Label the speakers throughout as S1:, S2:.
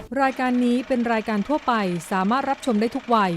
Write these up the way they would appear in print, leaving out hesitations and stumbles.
S1: รายการนี้เป็นรายการทั่วไปสามารถรับชมได้ทุกวัย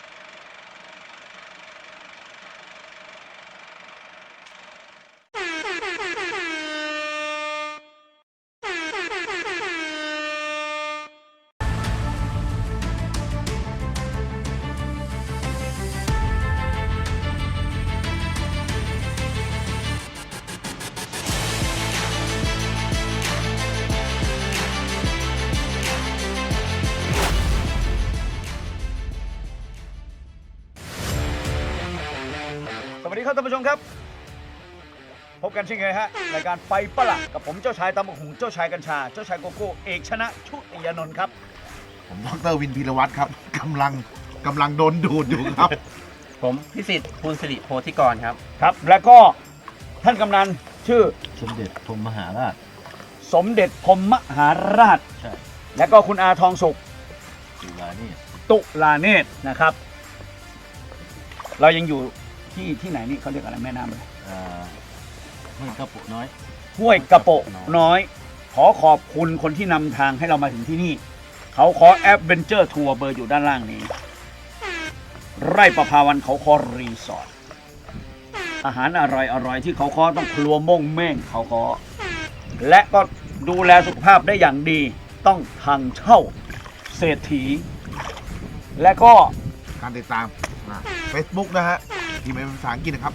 S2: สวัสดีครับท่านผู้ชมครับพบกันเช่นเคยฮะรายการไปปะละกับผมเจ้าชายตำบักหุ่งเจ้าชายกัญชาเจ้าชายโกโก้เอกชนะชุติยานนท์ครับ
S3: ผมดร.วินพีรวัตรครับกำลังโดนดูดอยู่ครับ
S4: ผมพิสิทธิ์ภูลสิริโพธิกรครับ
S2: ครับแล้วก็ท่านกำนันชื่อ
S5: สมเด็จพรหมมหาราช
S2: สมเด็จพรหมมหาราช
S5: ใช่
S2: แล้วก็คุณอาทองสุข
S5: จุฬานี่
S2: ตุลาเนตรนะครับ เรายังอยู่ที่ไหนนี่เขาเรียกอะไรแม่น้ำเลย
S5: ห้วยกระปุกน้อย
S2: ห้วยกระโปะน้อยขอขอบคุณคนที่นำทางให้เรามาถึงที่นี่เขาขอแอดเวนเจอร์ทัวร์เบอร์อยู่ด้านล่างนี้ ไร่ประภาวันเขาคอรีสอร์ทอาหารอร่อยที่เขาคอต้องครัวม่งเม่งเขาคอและก็ดูแลสุขภาพได้อย่างดีต้องทางเช่าเศรษฐีและก็
S3: การติดตามเฟซบุ๊กนะฮะที่เป็นภาษาอังกฤษนะครับ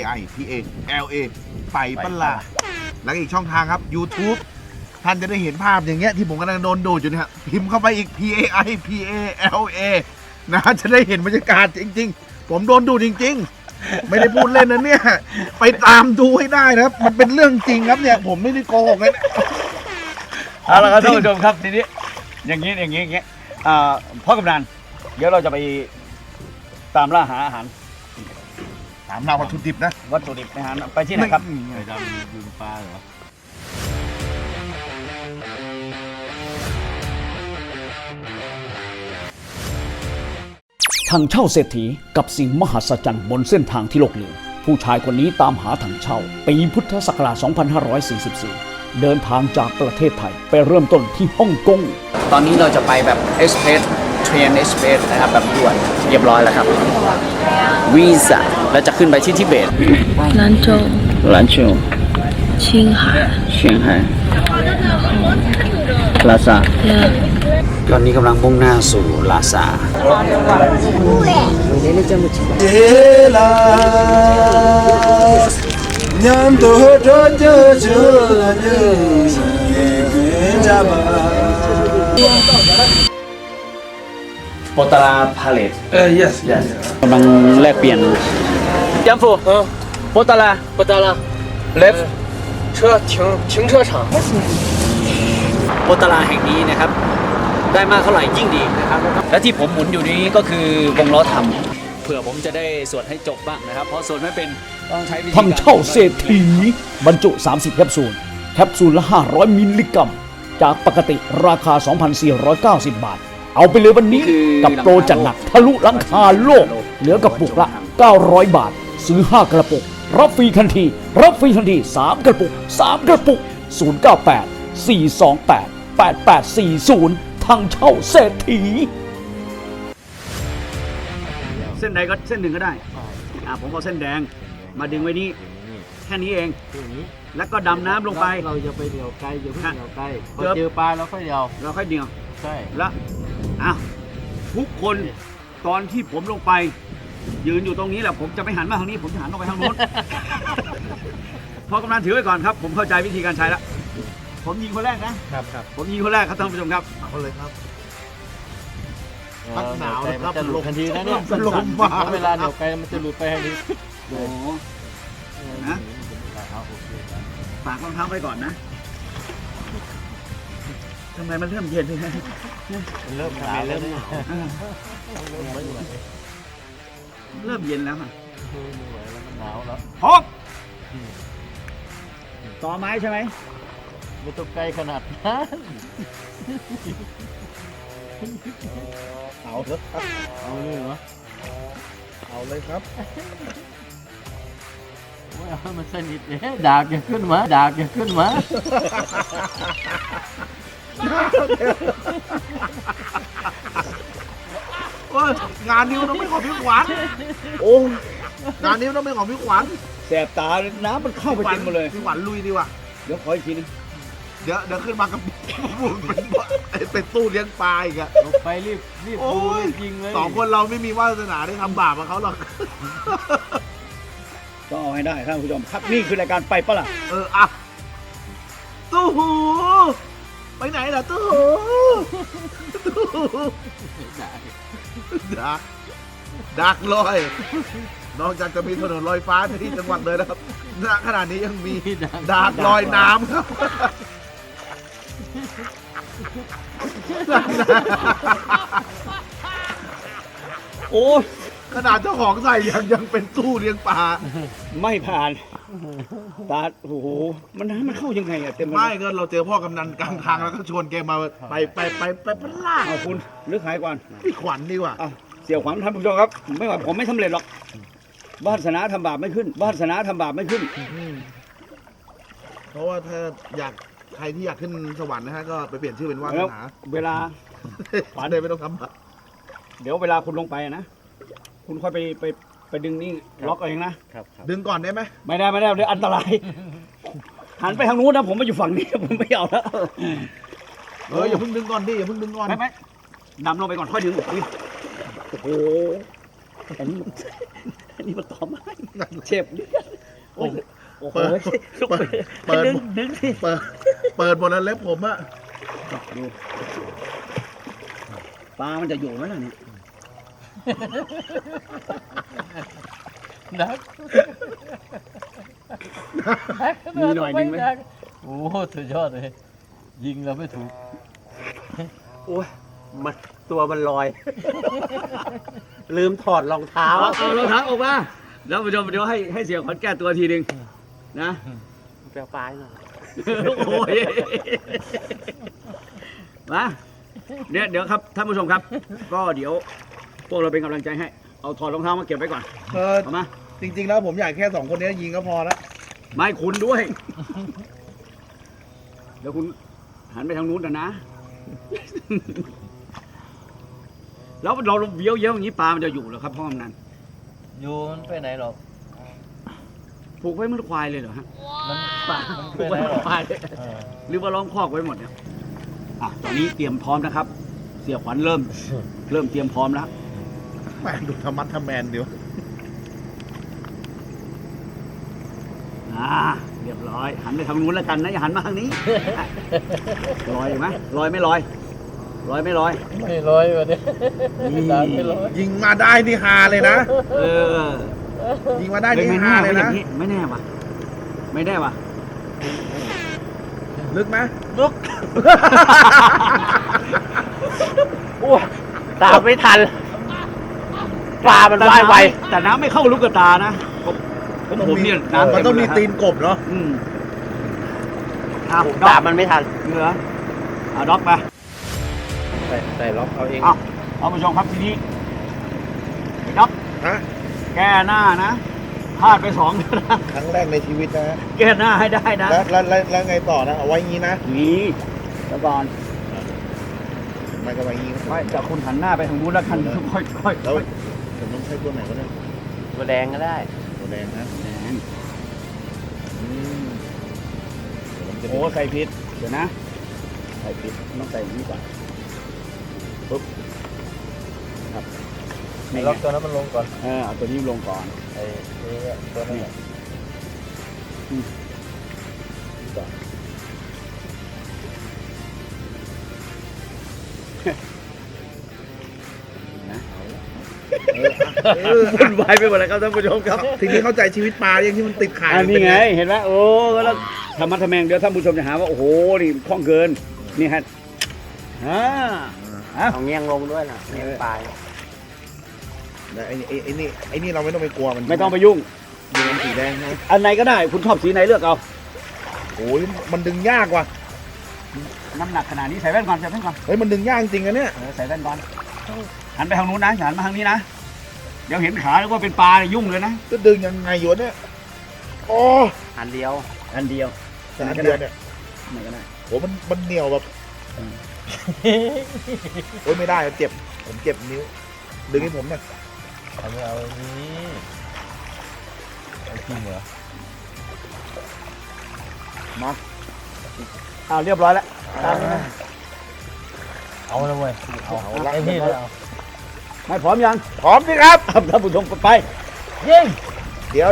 S3: PAIPALA ไปปะละแล้วก็อีกช่องทางครับ YouTube ท่านจะได้เห็นภาพอย่างเงี้ยที่ผมกำลังโดนดูดอยู่เนี่ยพิมพ์เข้าไปอีก PAIPALA นะจะได้เห็นบรรยากาศจริงๆผมโดนดูดจริงๆไม่ได้พูดเล่นนะเนี่ยไปตามดูให้ได้นะครับมันเป็นเรื่องจริงครับเนี่ยผมไม่ได้โกหกเลยนะ
S2: เอาละครับท่านผู้ชมครับทีนี้อย่างนี้พ่อกำนันเดี๋ยวเราจะไปตามล่าหาอาหาร
S3: ถามเราวัตถุดิบนะ
S2: วัตถุดิบอาหารไปที่ไหนครับ
S5: ไปดำยุงปลาเหรอ
S6: ถังเช่าเศรษฐีกับสิ่งมหัศจรรย์บนเส้นทางที่โลกลืมผู้ชายคนนี้ตามหาถังเช่าปีพุทธศักราช 2544 เดินทางจากประเทศไทยไปเริ่มต้นที่ฮ่องกงตอนนี้เราจะไปแบบเอ็กซ์เพรสเทรนเอ็กซ์เพรสนะครับแบบด่วนเรียบร้อยแล้วครับวีซ่าแล้วจะขึ้นไปที่ทิเบต
S7: 兰州
S6: 兰州
S7: 青海
S6: เชียงไฮ้ลาซาตอนนี้กำลังมุ่งหน้าสู่ลาซาโปตาราพาเลต
S4: yes
S6: กำลังแลกเปลี่ยนยัมฟูโปตารา
S4: 不得了
S6: เลฟ
S4: 停车场
S6: โปตาราแห่งนี้นะครับได้มากเท่าไหร่ยิ่งดีนะครับและที่ผมหมุนอยู่นี้ก็คือวงล้อทำเผื่อผมจะได้สวดให้จบบ้างนะครับเพราะสวดไม่เป็นต้องใช้วิธีการถังเช่าเศรษฐีบรรจุ30แคปซูลแคปซูลละ500มิลลิกรัมจากปกติราคา 2,490 บาทเอาไปเลยวันนี้กับโปรจัดหนักทะลุหลังคาโลกเหลือกระปุกละ900 บาทซื้อ5กระปุกรับฟรีทันที3กระปุก098 428 8840ถังเช่าเศรษฐี
S2: เส้นใดก็เส้นหนึ่งก็ได้ผมเอาเส้นแดงมาดึงไว้นี่แค่นี้เอง
S5: อย่างนี้
S2: แล้วก็ดำน้ำลงไป
S5: เราจะไปเดี่ยวไกลอย่าเพิ่งเดี่ยวไกลพอ
S2: เกือบ
S5: เจอปลาเราค่อยเดี่ยว
S2: เราค่อยเดียว
S5: ใช่
S2: แล้วทุกคนตอนที่ผมลงไปยืนอยู่ตรงนี้แหละผมจะไม่หันมาทางนี้ผมจะหันออกไปทางโน้น พอกำนันถือไว้ก่อนครับผมเข้าใจวิธีการใช้แล้วผมยิงคนแรกนะครับผมยิงคนแรกครับท่านผู้ชมครับ
S3: เอาเลยครับ
S5: พักหนาวนะครับจะหลุดทันทีนะเนี่ย
S3: ลมมา
S5: เวลาเดี่ยวไกลมันจะหลุดไปทันที
S2: โอ้โหนะฝากรองเท้าไว้ก่อนนะทำไมมันเริ่มเย็นเลยนะ
S5: เริ่มหนาวเริ่มหนาว
S2: เริ่มเย็นแล้วค่ะ
S5: มันหนาวแล้ว
S2: พบต่อไม้ใช่ไหม
S5: ไม่ต้องไกลขนาดนั้น
S3: เอาเถอะครับ
S5: เอาเลยเหรอ
S3: เอาเลยครับ
S5: ไม่เอาให้มันสนิทเนี่ยดากอย่าขึ้นมา
S3: านนี้มันต้องเป็นของพี่ขวัญโอ้งานนี้มันต้องเป็นของพี่ขวัญ
S2: แสบตาน้ำมันเข้าไปเต็มหมดเลย
S3: พี่ขวัญลุยดีกว่า
S2: เดี๋ยวขออีกทีนึง
S3: เดี๋ยวขึ้นมากับ เป็นตู้เลี้ยงปลาอีกอะ
S5: ไปรีบ
S3: โอ้
S5: ดู
S3: ย
S5: รีบยิงเลย
S3: สองคนเราไม่มีวาสนาได้ทำบาปกับเขาหรอก
S2: ต้องเอาให้ได้ท่านผู้ชมครับนี่คือรายการไปปะล่ะ
S3: อ่ะตู้หูไปไหนล่ะตู้หูตู้หูดักลอย นอกจากจะมีถนนลอยฟ้าที่จังหวัดเลยนะครับณขณะนี้ยังมีดักลอยน้ำครับ
S2: โอ้ย
S3: ขนาดเจ้าของใส่ยังเป็นตู้เลี้ยงปลา
S2: ไม่ผ่านตาโอ้โหมันน้ำมันเข้ายังไงอะเต็มไปหม
S3: ไม่
S2: ด
S3: ก็เราเจอพ่อกำนันกลางทางแล้วก็ชวนแกมาไปพล่า
S2: เอาคุณหรือขายก่อน
S3: พี่ขวัญดีกว่า
S2: เอาเสี่ยวขวัญท่านผู้ชมครับไม่ว่าผมไม่สำเร็จหรอกวาสนาทำบาปไม่ขึ้นวาสนาทำบาปไม่ขึ้น
S3: เพราะว่าถ้าอยากใครที่อยากขึ้นสวรรค์นะฮะก็ไปเปลี่ยนชื่อเป็นวาส
S2: แล้ว
S3: นา
S2: เวลา
S3: ขวัญเลยไม่ต้องทำบาป
S2: เดี๋ยวเวลาคุณลงไปนะคุณค่อยไปดึงนี่ล็อกเอาเองนะ
S3: ดึงก่อนได้ไหม
S2: ไม่ได้เดี๋ยวอันตรายหันไปทางนู้นนะผมมาอยู่ฝั่งนี้ผมไม่เอาแล้ว
S3: อย่าเพิ่งดึงก่อนดิอย่าเพิ่งดึงก่อน
S2: ไม่ดำลงไปก่อนค่อยดึงโอ้โหอันนี้มันต่อไม้เจ็บโอ้โห
S3: เปิด
S2: ดึงสิ
S3: เปิดหมดแล้วเล็บผมอะ
S2: ดูปลามันจะอยู่ไหมล่ะเนี่ย
S5: นัก
S2: มีหน่อยดึงไหม
S5: โอ้โหสุดยอดเลย ยิงเราไม่ถูก
S4: โอ้ยมันตัวมันลอย ลืมถอดรองเท้า
S2: เอารองเท้าออกมาแล้วผู้ชมเดี๋ยวให้เสียขวัญแก้ตัวทีหนึ่งนะ
S4: แปลปลายหน่อย
S2: โอ้ยมาเดี๋ยวครับท่านผู้ชมครับ ก็เดี๋ยวพวกเราเป็นกำลังใจให้เอาถอดรองเท้ามาเก็บไว้ก่อนเอามา
S3: จริงๆแล้วผมอยากแค่สองคนนี้ยิงก็พอแล้ว
S2: ไม่คุณด้วย เดี๋ยวคุณหันไปทางนู้นนะ แล้วเราเบี้ยวอย่างนี้ปลามันจะอยู่เหรอครับพ่อกำนัน
S5: อยู่มันไปไหนหรอก
S2: ผูกไว้เหมันควายเลยเหรอฮะ
S5: มัน
S2: ปลา
S5: มัน
S2: ผู
S5: ไป
S2: ก
S5: ไหน
S2: ไว้เห
S5: หร
S2: มื
S5: อ
S2: อก นควายเลย
S5: เออ
S2: หรือว่าล้อมคอกไว้หมดเนี่ยตอนนี้เตรียมพร้อมนะครับ เสียขวัญเริ่มเตรียมพร้อมแล้ว
S3: แม่งดูธรรมัดทแมนเดียว
S2: เรียบร้อยหันไปทางนู้นแล้วกันนะอย่าหันมาทางนี้ ลอยไหมลอยไม่ลอยลอยไม่ลอย
S5: ไม่ร้อยวะเนี่ยดาบไม่ร้อย
S3: ยิงมาได้นี่ฮาเลยนะ
S2: เออ
S3: ยิงมาได้นี่
S2: ไม่
S3: ฮา
S2: แน่
S3: เลย
S2: ว่าอ
S3: นะ
S2: ย่างนี้ไม่แน่ว่ะไม่แน่ว่ะ
S3: ลึกไหม
S4: โอ้ตามไม่ทัน ปลามันว่ายไว
S2: แต่น้ำไม่เข้าลูกกระตานะผมเนี่ยน้ำ
S3: มันต้องมี
S2: เต็
S3: ตี
S2: ม
S3: นกบเนาะ
S2: อืม
S4: ตามมันไม่ทัน
S2: เหลือเอาด็อกไป
S4: ใส่ล็อกเอาเอง
S2: เอาผู้ชมครับทีนี้ด็อก
S3: ฮะ
S2: แก้หน้านะพลาดไป2นะ
S3: ครั้งแรกในชีวิตนะฮะ
S2: แก้หน้าให้ได้นะ
S3: แล้วไงต่อนะ เอาไว้งี้นะ
S2: นี่แล้วก่อน
S3: ไม่ก็ไว้งี้
S2: ไม่แต่คุณหันหน้าไปทางนู้นแล้วกันค่อย
S3: แล้วผมต้องใช้ตัวไหนวะเนี่ย
S4: ตัวแดงก็ได้
S3: ตัวแดงนะ
S2: แหม
S3: อืมเดี๋ยวมันจะ
S2: โอ้ใส่ผิดเดี๋ยวนะใส่ผิดต้องใส่อย่างนี้ก่อนปุ๊บครับนี่
S5: ล็อกตัวนั้นมันลงก่อน
S2: เอาตัวนี้ลงก่อน
S5: ไอ้นี่ตัวนั้น
S2: นะวุ่นวายไปหมดเลยครับท่านผู้ชมครับ
S3: ทีนี้เข้าใจชีวิตปลาอย่างที่มันติดขาย
S2: อันนี้ไงเห็นไหมโอ้แล้วธรรมะทแมงเดี๋ยวท่านผู้ชมจะหาว่าโอ้โหนี่คล่องเกินนี่ฮะ
S4: เอาเงี้ยงลงด้วยนะเงี้ยงปลาย
S3: ไอ้นี่เราไม่ต้องไปกลัวมัน
S2: ไม่ต้องไปยุ่ง
S3: ดูมันสีแดงนะ
S2: อันไหนก็ได้คุณชอบสีไหนเลือกเอา
S3: โอ้ยมันดึงยากว่ะ
S2: น้ำหนักขนาดนี้ใส่แว่นก่อนใส่แว่นก่อน
S3: เฮ้ยมันดึงยากจริงอะเนี่ย
S2: ใส่แว่นก่อนหันไปทางนู้นนะอย่าหันมาทางนี้นะเดี๋ยวเห็นขาแล้วว่าเป็นปลาเนี่ยยุ่งเลยนะ
S3: จะดึงยังไงอยู่เนี่ยโอ้
S4: อันเดียว
S2: อันเดียว
S3: แต่อันเดียวเนี่ย
S2: ไหนก็ได้
S3: โหมันเหนียวแบบโอ้ยไม่ได้เจ็บผมเจ็บนิ้วดึงให้ผมหน่อย
S5: เอาไม่เอาอันนี้เอาจริงเหรอ
S2: เอาเรียบร้อยแล้วตามนี้นะ
S5: เอาแล้วเว้ยเอาไอ้พี่เลยเอา
S2: ไม่พร้อมยัง
S3: พร้อมสิครับ
S2: ท่านผู้ชมไป
S3: ยิงเดี๋ยว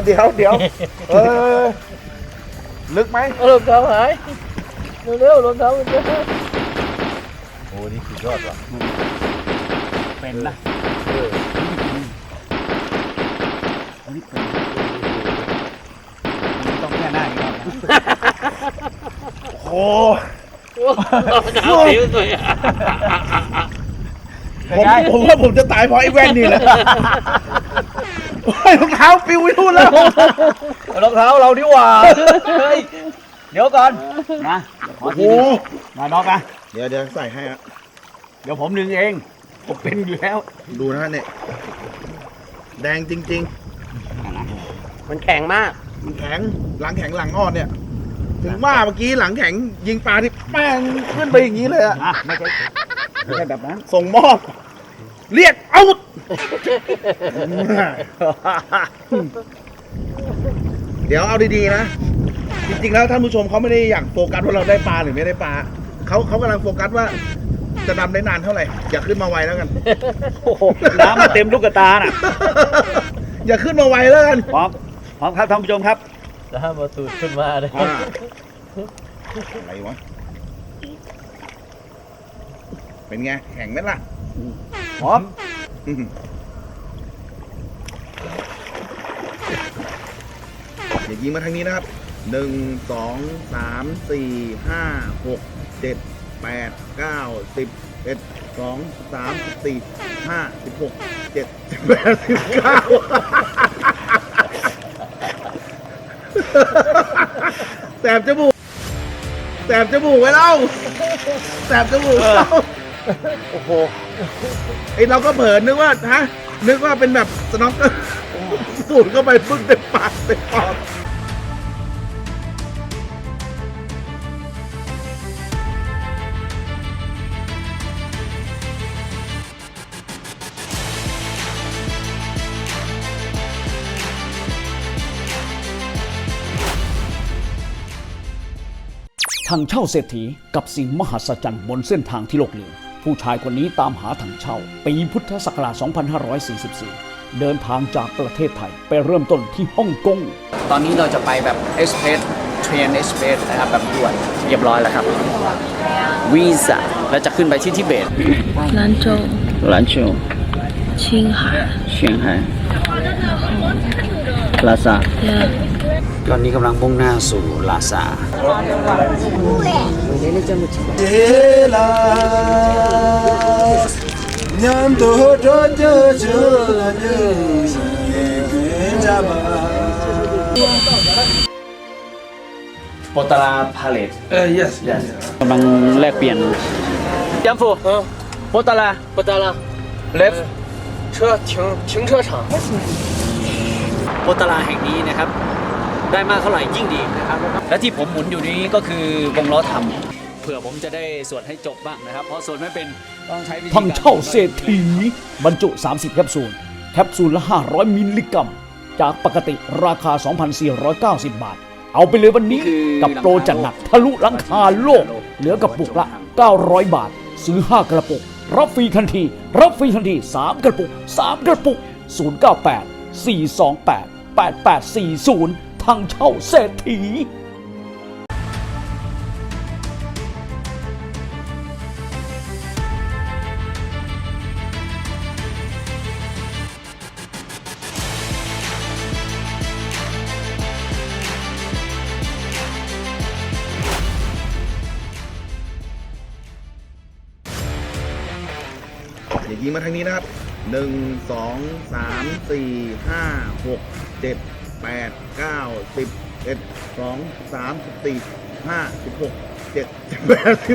S3: ลึกไหม
S5: รองเท้าหายเร็วๆรองเท้ามันจะโอ้นี่สุดยอดว่ะ
S2: เป็นนะต้องแค่หน้าอีกรอบนะ
S3: โอ้
S4: หนาวผิวสวย
S3: ผมว่าผมจะตายเพราะไอ้แว่นนี่แหละโอ้ยรองเท้าปิวไปนู่นแล้ว
S2: รองเท้าเราดีกว่าเฮ้ยเดี๋ยวก่อนนะขอ
S3: โอ้โห
S2: ทีนึงมาน้องนะ
S3: เดี๋ยวใส่ให้อะ
S2: เดี๋ยวผมดึงเองผมเป็นอยู่แล้ว
S3: ดูนะฮะเนี่ยแดงจริง
S4: มันแข็งมาก
S3: ๆมันแข็งหลังแข็งหลังอ่อนเนี่ย ถึงว่าเมื่อกี้หลังแข็งยิงปลาที่แม่งขึ้นไปอย่างนี้เลยอะ
S2: อ่ะไม่ใช่แบบนั้น
S3: ส่งมอบ เรียกเอาเดี๋ยวเอาดีๆนะ จริงๆแล้วท่านผู้ชมเขาไม่ได้อยากโฟกัสว่าเราได้ปลาหรือไม่ได้ปลาเขากำลังโฟกัสว่าจะดำได้นานเท่าไหร่อย่าขึ้นมาไวแล้วกัน
S2: โอ้โหน้ำมาเต็มลูกตาน่ะ
S3: อย่าขึ้นมาไวแล้วกัน
S2: พร้อมครับท่านผู้ชมครับ
S5: แล้วมาสูดขึ้นมาเลย
S3: อะไรวะเป็นไงแข็งไหมล่ะ
S2: พร้อม
S3: อย่ายิงมาทางนี้นะครับ 1 2 3 4 5 6 7 8 9 10 1 2 3 4 5 16 7 8 19แสบจมูกไว้เล่าแสบจมูกเราโอ้โหไอเราก็เผลอนึกว่าเป็นแบบสน็อกเกอร์สูดเข้าไปปึ๊กเต็มปากเต็มปอด
S2: ทางเช่าเศรษฐีกับสิ่งมหัศจรรย์บนเส้นทางที่โลกลืมผู้ชายคนนี้ตามหาถังเช่าปีพุทธศักราช 2544 เดินทางจากประเทศไทยไปเริ่มต้นที่ฮ่องกง ตอนนี้เราจะไปแบบเอสเพรสเทรนเอสเพรสนะครับแบบด่วนเรียบร้อยแล้วครับวีซ่าแล้วจะขึ้นไปที่ทิเบต
S7: 兰州、
S2: 兰州
S7: 青海，
S2: เชียงไฮ้ลาซาตอนนี้กำลังมุ่งหน้าสู่ลาซาโปตาราพาเลตyes กำลังแลกเปลี่ยนยัมฟูโปตาราleft
S5: 停车场。
S6: โปตาราแห่งนี้นะครับ ได้มากเท่าไหร่ยิ่งดีนะครับ และที่ผมหมุนอยู่นี้ก็คือวงล้อทำเผื่อผมจะได้สวดให้จบบ้างนะครับ เพราะสวดไม่เป็นต้องใช้วิธี
S2: ทางเช่าเศรษฐีบรรจุ 30 แคปซูล แคปซูลละ 500 มิลลิกรัม จากปกติราคา 2,490 บาท เอาไปเลยวันนี้กับโปรจัดหนักทะลุหลังคาโลก เหลือกระปุกละ 900 บาท ซื้อ 5 กระปุก รับฟรีทันที 3 กระปุก 098 428 8840 ทางเช่าเศรษฐี
S3: อย่ายิงมาทางนี้นะครับ 1 2 3 4 5 6 7 8 9 10 1 2 3 4 5 16 7 8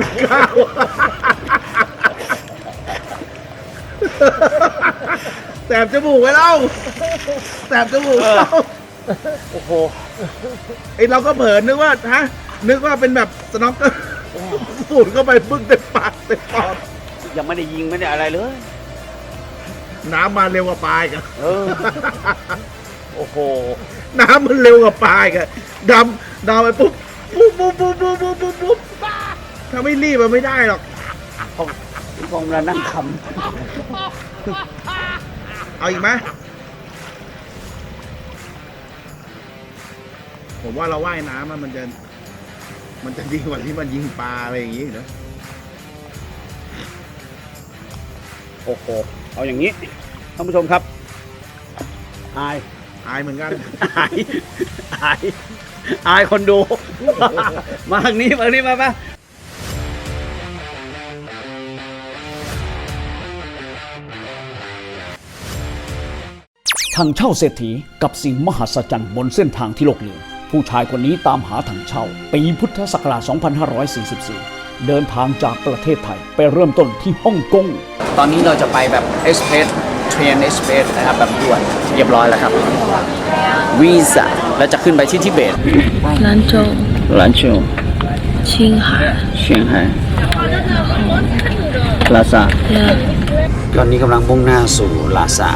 S3: 19แสบจมูกไว้เล่าแสบจมูกเราโอ้โหไอเราก็เผลอนึกว่าเป็นแบบสน็อกเกอร์สูดเข้าไปปึ๊กเต็มปากเต็มปอด
S2: ยังไม่ได้ยิงไม่ได้อะไรเลย
S3: น้ำมาเร็วกว่าปลายกัน
S2: โอ้โห
S3: น้ำมันเร็วกว่าปลายกันดำไปปุ๊บถ้าไม่รีบมันไม่ได้หรอก
S2: คงเรานั่งค
S3: เอาอีกไหมผมว่าเราว่ายน้ำมันจะดีกว่าที่มันยิงปลาอะไรอย่างงี้เนอะ
S2: ำโอ้โห เอาอย่างนี้ท่านผู้ชมครับอาย
S3: อายเหมือนกัน
S2: อายอายคนดู มาทางนี้มาทางนี้มาถังเช่าเศรษฐีกับสิ่งมหัศจรรย์บนเส้นทางที่โลกลืมผู้ชายคนนี้ตามหาถังเช่าปีพุทธศักราช 2544 เดินทางจากประเทศไทยไปเริ่มต้นที่ฮ่องกง ตอนนี้เราจะไปแบบเอสเพรสเทรนเอสเพรสนะครับแบบด่วนเรียบร้อยแล้วครับวีซ่าแล้วจะขึ้นไปที่ทิเบต
S7: 兰州、
S2: 兰州
S7: 青海、
S2: เชียงไฮ้ลาซาตอนนี้กำลังมุ่งหน้าสู่ลาซา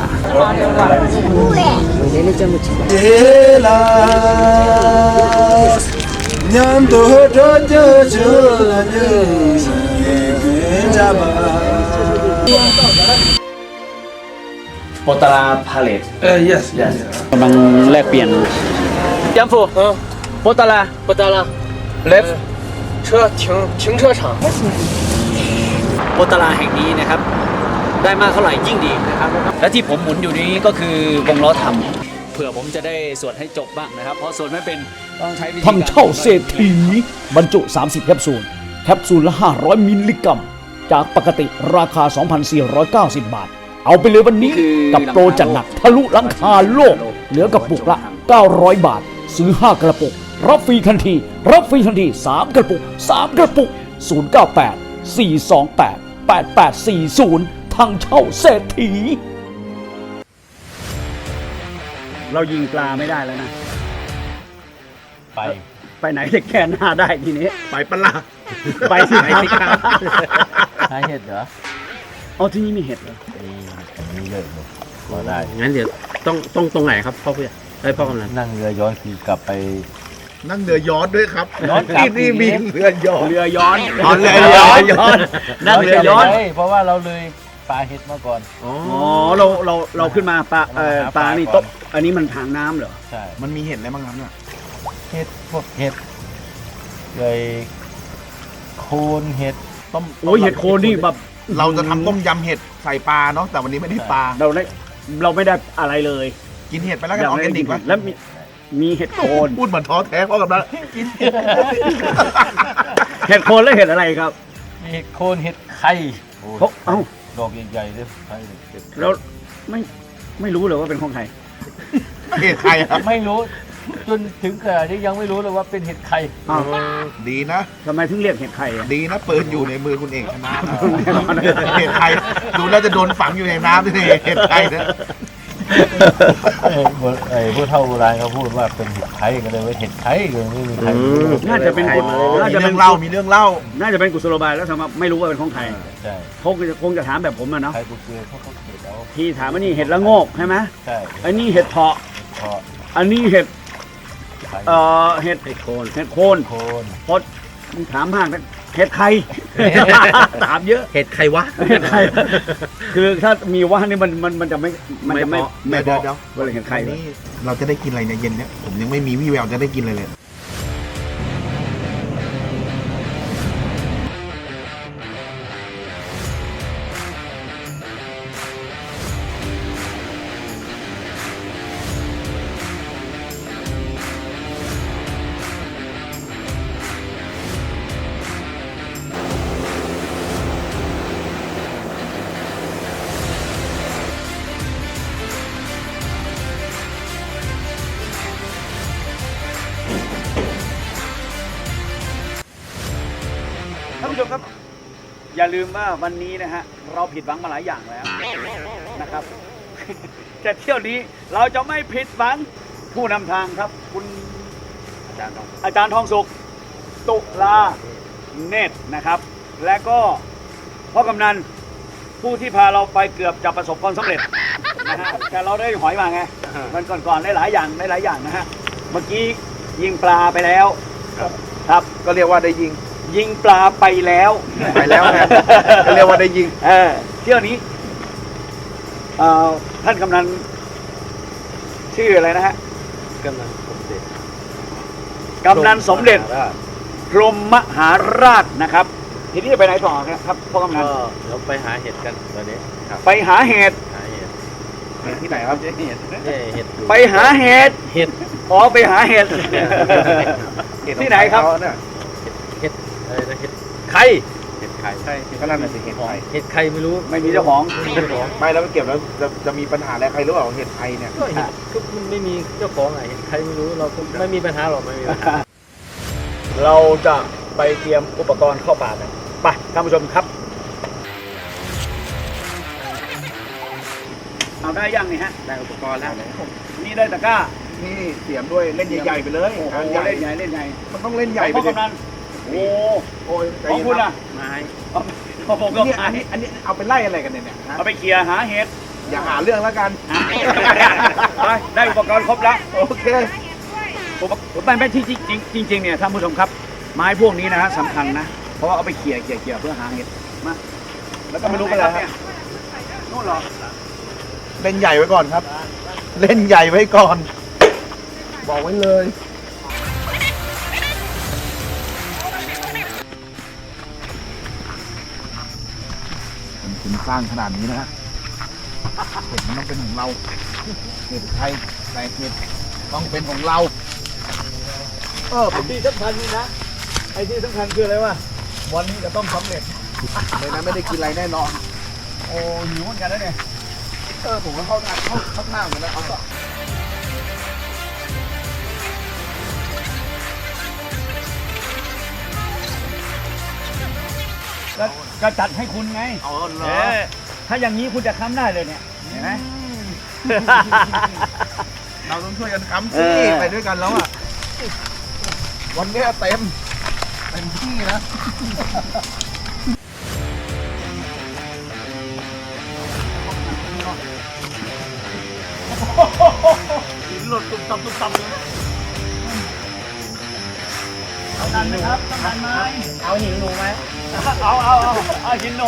S2: โปตาราพาเลต
S5: yes
S2: กำลังแลกเปลี่ยนยัมฟูโปตารา
S5: 不得了，
S2: left
S5: 车停车场。
S6: โปตาราแห่งนี้นะครับ ได้มากเท่าไหร่ยิ่งดีนะครับ และที่ผมหมุนอยู่นี้ก็คือวงล้อทำเผื่อผมจะได้สวดให้จบบ้างนะครับ เพราะสวดไม่เป็นต้องใช้วิธี
S2: ทำเช่าเศรษฐีบรรจุ 30 แคปซูล แคปซูลละ 500 มิลลิกรัม จากปกติราคา 2,490 บาท เอาไปเลยวันนี้กับโปรจัดหนักทะลุหลังคาโลก เหลือกระปุกละ 900 บาท ซื้อ 5 กระปุก รับฟรีทันที 3 กระปุก 098 428 8840 ทางเช่าเศรษฐี เรายิงปลาไม่ได้แล้วนะ ไปไหนจะแก้หน้าได้ทีนี้
S3: ไปปะล่ะ
S2: ไปที่ไหนสิครับ
S5: หาเห็ดเหรอ
S2: เอาที่นี่มีเห็ดเหรอ
S5: มีเยอะเลยพอได้
S4: งั้นเดี๋ยวต้องตรงไหนครับพ่อผู้ใหญ่พ่อกำนัน
S5: นั่งเรือย้อนคือกลับไป
S3: นั่งเรือยอชต์ด้วยครับ
S5: ย้อนกลับ
S3: ที่นี่มีเรือยอชต์
S2: เรือย้อน
S3: อ๋อเรือย้อน
S2: นั่งเรือย้อน
S5: เพราะว่าเราเลยปลาเห็ดมาก่อน
S2: อ๋อเราขึ้นมาปลานี่โต๊ะอันนี้มันทางน้ำเหรอ
S5: ใช่
S3: มันมีเห็ดอะไรบ้างครับเนี่ย
S5: เห็ดพวกเห็ดเลยโคนเห็ด
S3: ต้ม
S2: โอ้ยเห็ดโคนนี่แบบ
S3: เราจะทำต้มยำเห็ดใส่ปลาเนาะแต่วันนี้ไม่ได้ปลา
S2: เราไม่ได้อะไรเลย
S3: กินเห็ดไปแล้วกันออร์แกนิกวะ
S2: แล้วมีเห็ดโคน
S3: พูดเหมือนท้อแท้พ่อกับนะ
S2: เห็ดโคนแล้วเห็ดอะไรครับ
S5: มีเห็ดโคนเห็ดไข่โอ้ย
S2: เอ้า
S5: ดอกใหญ่ๆเลยไข่
S2: แล้วไม่รู้เลยว่าเป็นของใคร
S3: เห็ดใครครับ
S5: ไม่รู้จนถึงขนาดนี้ยังไม่รู้เลยว่าเป็นเห็ดไข่
S2: อ้าว
S3: ดีนะ
S2: ทำไมถึงเรียกเห็ดไข่อะ
S3: ดีนะปืนอยู่ในมือคุณเอกชนะเห็ดไทยดูแล้วจะโดนฝังอยู่ในน้ำด้วยเห็ดไทยนะ
S5: ผู้เฒ่าโบราณเขาพูดว่าเป็นเห็ดไข่ก็เลยว่าเห็ดไข่เลยไม่มีใครรู้
S2: น่าจะเป็น
S3: มีเรื่องเล่ามีเรื่องเล่า
S2: น่าจะเป็นกุศโลบายแล้วทำไมไม่รู้ว่าเป็นของใคร
S5: ใช่
S2: คงจะถามแบบผมอะเนาะ
S5: ใครบุกเกอเขาก็เห็ดเอา
S2: ที่ถามว่านี่เห็ดละโงกใช่ไหม
S5: ใช่
S2: อันนี้เห็ดเพาะ
S5: เพราะ
S2: อันนี้เห็ด
S5: ไข่
S2: เห็ดโคน
S5: โคน
S2: พดถามมากนะเห็ดไข่ ถามเยอะ
S4: เห็ดใครวะ
S2: เห็ดไข่คือถ้ามีว่านี่มันจะไม่
S3: เดี๋ยว
S2: ไม่
S3: เดี๋
S2: พอ
S3: ยว
S2: เวลาเห็ดไข่
S3: นี่เราจะได้กินอะไรในเย็นเนี้ยผมยังไม่มีวี่แววจะได้กินอะไรเลย
S2: ท่านผู้ชมครับ อย่าลืมว่าวันนี้นะฮะเราผิดหวังมาหลายอย่างแล้วนะครับ แต่เที่ยวนี้เราจะไม่ผิดหวังผู้นำทางครับ คุณอาจารย์ทองสุขตุลาเนตรนะครับ และก็พ่อกำนันผู้ที่พาเราไปเกือบจะประสบความสำเร็จนะฮะแต่เราได้หอยมาไงมันก่อนๆได้หลายอย่างนะฮะเมื่อกี้ยิงปลาไปแล้วครับ
S3: ก็เรียกว่าได้ยิง
S2: ยิงปลาไปแล้ว
S3: ไปแล้วไงก็เรียกว่าได้ยิง
S2: เที่ยวนี้ท่านกำนันชื่ออะไรนะฮะ
S5: กำลังสมเด็จ
S2: กำนันสมเด็จพรหมมหาราชนะครับ ทีนี้จะไปไหนต่อครับพ่อกำนัน
S5: ก็เราไปหาเห็ดกันตอนนี้ครับ
S2: ไปหาเห็ด
S5: หาเห็ด
S3: ที่ไหนครับ
S5: เนี่ยเห็ดอยู่
S2: ไปหาเห็ด
S5: เห็ด
S2: อ๋อไปหาเห็ด ที่ไหนครับ
S5: เห็ดอะไรนะเห็ด
S2: ใคร
S5: เห็ดไข่
S3: ก็นั่นน่ะสิเห็ดไทย
S5: เห็ดไข่ไม่รู้
S2: ไม่มีเจ้าของ
S5: ไม่มีเจ้าของ
S3: ไม่แล้วไปเก็บแล้วจะมีปัญหาอะไรใครรู้เปล่าเห็ดไทยเนี่ย
S5: ก็เห็ดก็มันไม่มีเจ้าของอ่ะเห็ดไข่ไม่รู้เราก็ไม่มีปัญหาหรอกไม่มีปัญหา
S2: เราจะไปเตรียมอุปกรณ์เข้าป่ากันไปท่านผู้ชมครับเอาได้ยังนี่ฮะ
S3: ได้อุปกรณ์แล้ว
S2: นี่ได้ตะกร้า
S3: นี่เสียมด้วยเล่นใหญ่ๆไปเลย
S2: โอ้โห
S3: งานใหญ่
S2: เล่นใหญ่เล่นใหญ่
S3: มันต้องเล่นใหญ่ไป
S2: พ่อ
S3: ดิ
S2: กำนันโอ้
S3: โอ้ยใจ
S2: ของ
S3: เย็น
S2: คุณ
S3: ครั
S2: ล่ะ
S3: บ
S5: ไม้
S2: ของผมก็
S3: เนี่ย
S2: หา
S3: อันนี้เอาไปไล่อะไรกันเนี่ยฮะ
S2: เอาไปเคลียร์หาเห็ด
S3: อย่าหาเรื่องแล้วกัน
S2: ไปได้อุปกรณ์ครบแล้ว
S3: โอเค
S2: ไม่ที่จริงเนี่ยท่านผู้ชมครับ ไม้พวกนี้นะฮะสำคัญนะ เพราะว่าเอาไปเขี่ยเพื่อหาเห็ดมา
S3: แล้วก็ไม่รู้เป็นอะไรครับ
S2: นู่นเหรอ
S3: เล่นใหญ่ไว้ก่อนครับ เล่นใหญ่ไว้ก่อน บอกไว้เลยคุณสร้างขนาดนี้นะฮะเห็ดมันต้องเป็นของเราเห็ดไทยแต่เห็ดต้องเป็นของเราผม
S2: ที่สำคัญนี่นะไอ้ที่สำคัญคืออะไรวะวันนี้จะต้องสำเร็จ
S3: เลยนะไม่ได้กินอะไรแน่นอน
S2: โอ้หิวเหมือนกันแล้วเนี่ย
S3: ผมก็เข้าทางเหมือนกันนะครับ
S2: ก็จัดให้คุณไง
S3: เอาเหร
S2: เอ
S3: อ
S2: อถ้าอย่างนี้คุณจะค้ำได้เลยเนี่ยเห็นไหม
S3: เราต้องช่วยกันค้ำ
S2: เอ
S3: สิ
S2: อ
S3: ไปด้วยกันแล้วอ่ะ วันเนี้ยเต็มที่นะ
S2: หินหล่นตุบตับเลยเอาดันไหมครับต้องดันไหม
S5: เอาหินหนูไหม
S2: เอาหินหนู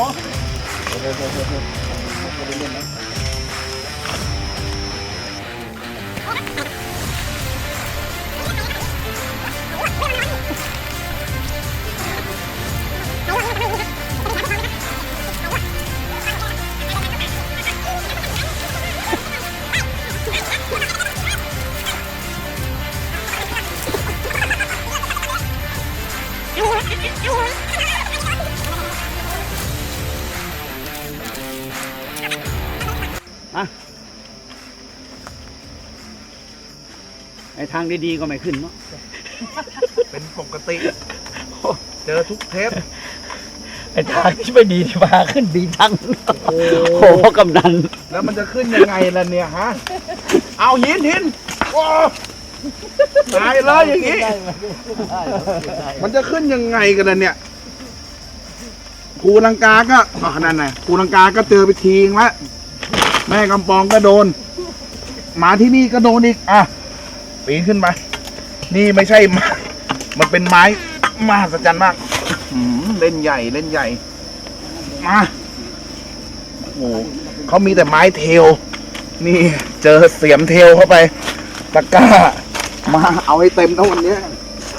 S2: ไอ้ทางดีๆก็ไม่ขึ้นเนาะ
S3: เป็นปกติ เจอทุกเทป
S2: ไอ้ทางที่ไม่ดีที่มาขึ้นดีทั้งโอ้โหกำนัน
S3: แล้วมันจะขึ้นยังไงล่ะเนี่ยฮะ เอาหินโอ้ตายเลยอย่างนี้ มันจะขึ้นยังไงกันล่ะเนี่ยภูลังกาก็นั่นไงภูลังกาก็เจอไปทีงละแม่กำปองก็โดน มาที่นี่ก็โดนอีก อ่ะ ปีนขึ้นไป นี่ไม่ใช่ไม้มันเป็นไม้มหัศจรรย์มากเล่นใหญ่มาโอ้โหเขามีแต่ไม้เทล นี่เจอเสียมเทลเข้าไป ตะกร้า มาเอาให้เต็มทั้งวันเนี้ย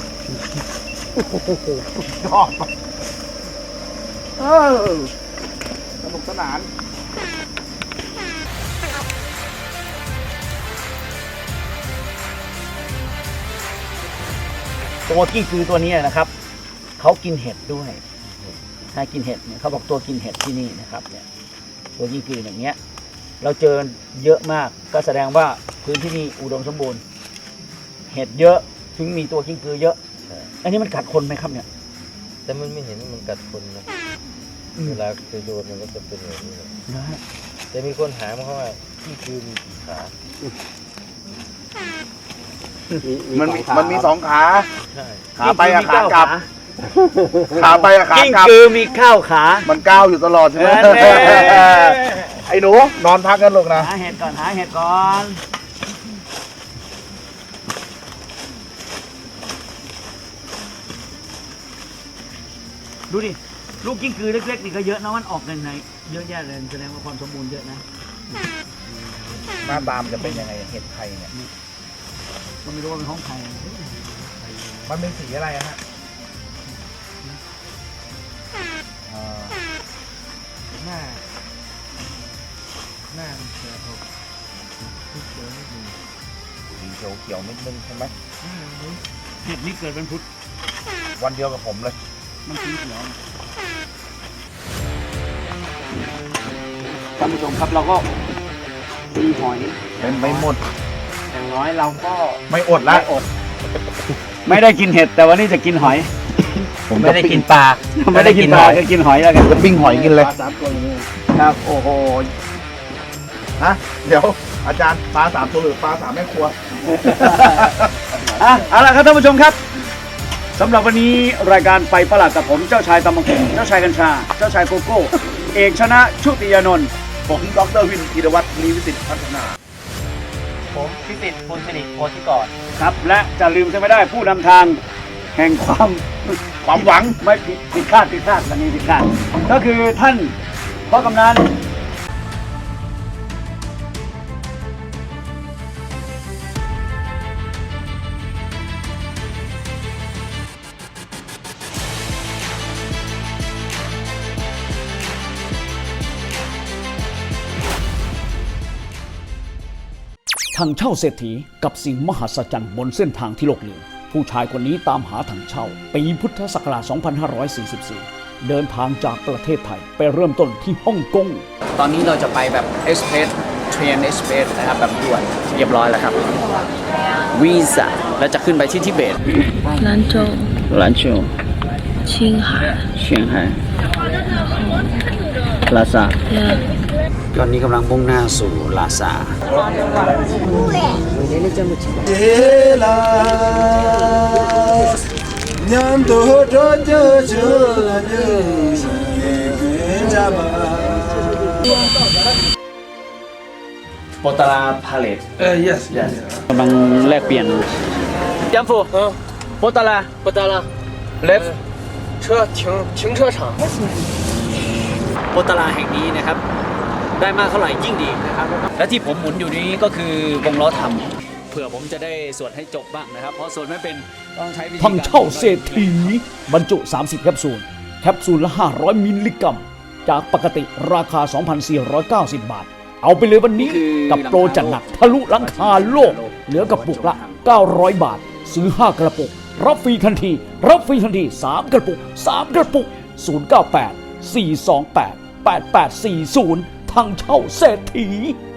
S3: ชอบสนุกสนาน
S2: ตัวกิ้งกือตัวนี้นะครับเขากินเห็ดด้วยถ้ากินเห็ดเนี่ยเขาบอกตัวกินเห็ดที่นี่นะครับเนี่ยตัวกิ้งกืออย่างเงี้ย เราเจอเยอะมากก็แสดงว่าพื้นที่นี่อุดมสมบูรณ์เห็ดเยอะถึงมีตัวกิ้งกือเยอะอันนี้มันกัดคนไหมครับเนี่ย
S5: แต่มันไม่เห็นมันกัดคนนะเวลาจะโดนมันก็จะเป็นแบบนี้เลย
S2: นะฮะ
S5: แต่มีคนถามเขาว่าที่คือมีกี่ขา
S3: มันมีสองขา
S5: ใช่
S3: ขาไปกับขากลับขาไปกับขา
S6: กิ้ง
S3: กลับ
S6: กือมีข้าวขา
S3: มันก้าวอยู่ตลอดใช่ไหม
S6: เออ
S3: ไอ้หนูนอนพักกันลูกนะ
S6: หาเห็ดก่อนหาเห็ดก่อน ดูดิ ลูกกิ้งกือเล็กๆนี่ก็เยอะนะมันออกในเยอะแยะเลยแสดงว่าความสมบูรณ์เยอะนะ
S3: หน้าตามนจะเป็นยังไงเห็ดไทยเนี่ย
S6: ก็ไม่รู้ว่าเป็นของใคร
S3: มันเป็นสีอะไรอะฮะหน้าเขียวสีเขียวนิดนึงใช่ไหม
S6: เห็ดนี้เกิดเป็นพุทธ
S3: วันเดียวกับผมเลย
S6: มันสีเขียวท่านผู้ชมครับเราก็มีหอย
S3: เป็นไม่หมด
S6: อย่างน้อยเราก็
S3: ไม่อดละ
S2: ไม่ได้กินเห็ดแต่วันนี้จะกินหอย
S3: ผมไม่ได้กินปลา
S2: ไม่ได้กินปลาก็กินหอยแล้วกัน
S3: จะปิ้งหอยกินเลย
S2: ครับโอ้โห
S3: ฮะเดี๋ยวอาจารย์ปลา3 ตัวหรือปลา3 แม่ครัว
S2: เอาล่ะครับท่านผู้ชมครับสำหรับวันนี้รายการไปประหลาดกับผมเจ้าชายตำบักหุ่งเจ้าชายกัญชา เจ้าชายโกโก้ เอกชนะชุติยานนท์
S3: ผมดรวินธีรวัตรลีวิสิทธิ์พัฒนา
S4: ผมพิสิทธิ์บุญสิริโพธิกร
S2: ครับ และจะลืมจะไม่ได้ผู้นำทางแห่งความหวังไม่ผิดคาดวันนี้ผิดคาดก็คือท่านพ่อกำนันทางเช่าเศรษฐีกับสิ่งมหัศจรรย์บนเส้นทางที่โลกลืมผู้ชายคนนี้ตามหาทางเช่าปีพุทธศักราช 2544 เดินทางจากประเทศไทยไปเริ่มต้นที่ฮ่องกงตอนนี้เราจะไปแบบเอสเพรสเทรนเอสเพรสนะครับแบบด่วนเรียบร้อยแล้วครับวีซ่าแล้วจะขึ้นไปที่ทิเบต
S7: 兰州、
S2: 兰州
S7: 青海，
S2: เชียงไฮ้ลาซาตอนนี้กำลังมุ่งหน้าสู่ลาซาโปตาราพาเลตyes กำลังแลกเปลี่ยนยัมฟูโปตาราleft
S5: 停车场。
S6: โปตาราแห่งนี้นะครับ ได้มากเท่าไหร่ยิ่งดีนะครับ และที่ผมหมุนอยู่นี้ก็คือวงล้อทำเผื่อผมจะได้สวดให้จบบ้างนะครับ เพราะสวดไม่เป็นต้องใช้วิธีการ
S2: ทำเช่าเศรษฐีบรรจุ 30 แคปซูล แคปซูลละ 500 มิลลิกรัม จากปกติราคา 2,490 บาท เอาไปเลยวันนี้กับโปรจัดหนักทะลุหลังคาโลก เหลือกระปุกละ 900 บาท ซื้อ 5 กระปุก รับฟรีทันที 3 กระปุก 098 428 8840 ทางเช่าเศรษฐี